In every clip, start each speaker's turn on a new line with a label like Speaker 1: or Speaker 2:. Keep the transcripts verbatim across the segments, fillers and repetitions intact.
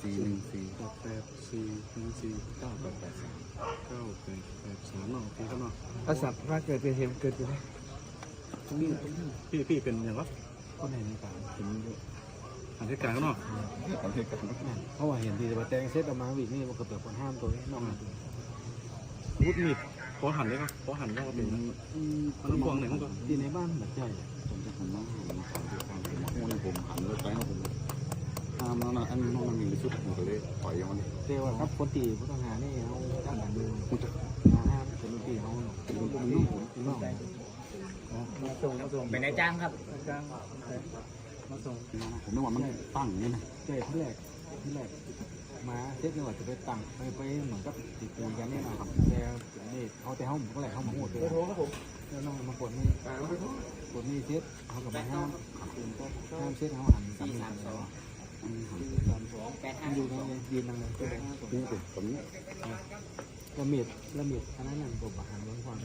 Speaker 1: สี่หนึ่งสี่
Speaker 2: แปดแปดสี่หนึ่งสี่
Speaker 1: เก้าแปดแปดสาม
Speaker 2: เก้าแปดแปดสามเนาะพี่ครับเนาะ
Speaker 3: อาสับว่าเกิดเป็นเหตุเกิดขึ้นได้
Speaker 2: พี่พี่เป็นอย่างไร
Speaker 3: คนไหนในป่า
Speaker 1: ถึง
Speaker 2: อันที่กลางเนาะ
Speaker 1: ตอนที่กัน
Speaker 3: เพราะว่าเห็นทีแต่ว่าแตงเซตออกมาวิ่งนี่มันก็เปิดคนห้ามตัวนี้น้อง
Speaker 2: วุฒิมีดขอหันได้ปะขอหันว่าเป็นมันกวางไหนมันก็
Speaker 3: ที่ในบ้านแบบใหญ่
Speaker 1: ผมจะหันน้องหันสองที่กลางผมโอ้ในผมหันรถไปของผมห้ามแล้วนะอันนี้น้องมันมีชุดผมก็เลยปล่อยมัน
Speaker 3: เจ้าครับคนตีผู้ต้องหานี่เขาด้านหลังดูห้ามเป็นตีเขาเนาะเป็นน้องเป็นน้องมาส่งมาส่ง
Speaker 4: เป็นนายจ้างครับ
Speaker 3: จ้างมาส่ง
Speaker 1: ผมนึกว่ามันตั้งนี่นะ
Speaker 3: เจ้ที่แรกที่แรกมาเซตนี่ว่าจะไปตั้งไปไปเหมือนกับติดตีกันนี่นะครับแต่นี่เขาแต่เขาก็แหละเขามาหัวเลยแล้วน้องมากดนี่กดนี่เซตเขากับมาห้ามห้ามเซตเขาหันสามสามสองสามสอง
Speaker 4: แปดห้า
Speaker 3: อยู่ในยืนนั่งเลยก็เลย
Speaker 1: นี่สิผมนี่
Speaker 3: ละเมียดละเมียดอันนั้นนั่นผมหันล้นความ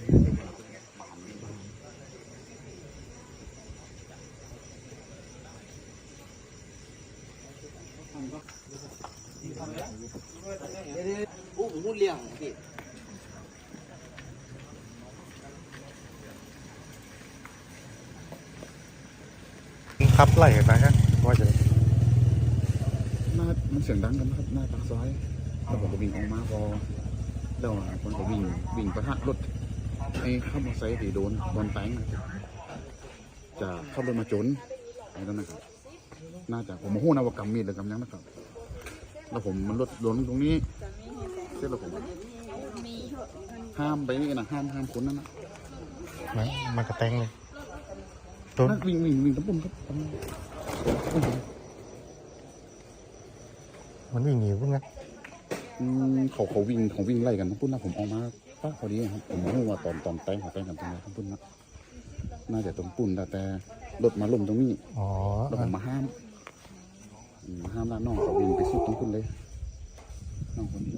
Speaker 4: โอ้ผมพูดเรื่องพี่
Speaker 5: ขับไล่ไปครับว่าจะ
Speaker 1: หน้ามันเสียงดังกันนะครับหน้าปากซอยแล้วผมก็วิ่งออกมาพอแล้วคนก็วิ่งวิ่งประทะรถไอ้ข้ามมอเตอร์ไซค์ที่โดนโดนแตงจะเข้ารถมาจนอะไรนั่นนะครับน่าจะผมมาหู้นะว่ากำมีดหรือกำยังนะครับแล้วผมมันรถล้นตรงนี้เสร็จแล้วผมห้ามไปนี่นะห้ามห้ามคนนั่นนะ
Speaker 5: ไหนมันกระแตงเลยต้น
Speaker 1: นั่นวิ่งวิ่งวิ่งตะปุ่นครับ
Speaker 5: มันวิ่งหนีพุ่งนะ
Speaker 1: อืมเขาเขาวิ่งเขาวิ่งไล่กันตะปุ่นนะผมออกมาป้าพอดีครับผมรู้ว่าตอนตอนแตงเขาแตงกันตรงไหนตะปุ่นนะน่าจะตรงปุ่นแต่แต่รถมาล้มตรงนี้
Speaker 5: อ๋อ
Speaker 1: แล้วผมมาห้ามอืมมาห้ามแล้วน้องเขาวิ่งไปสุดตรงปุ่นเลยน้องคนนี้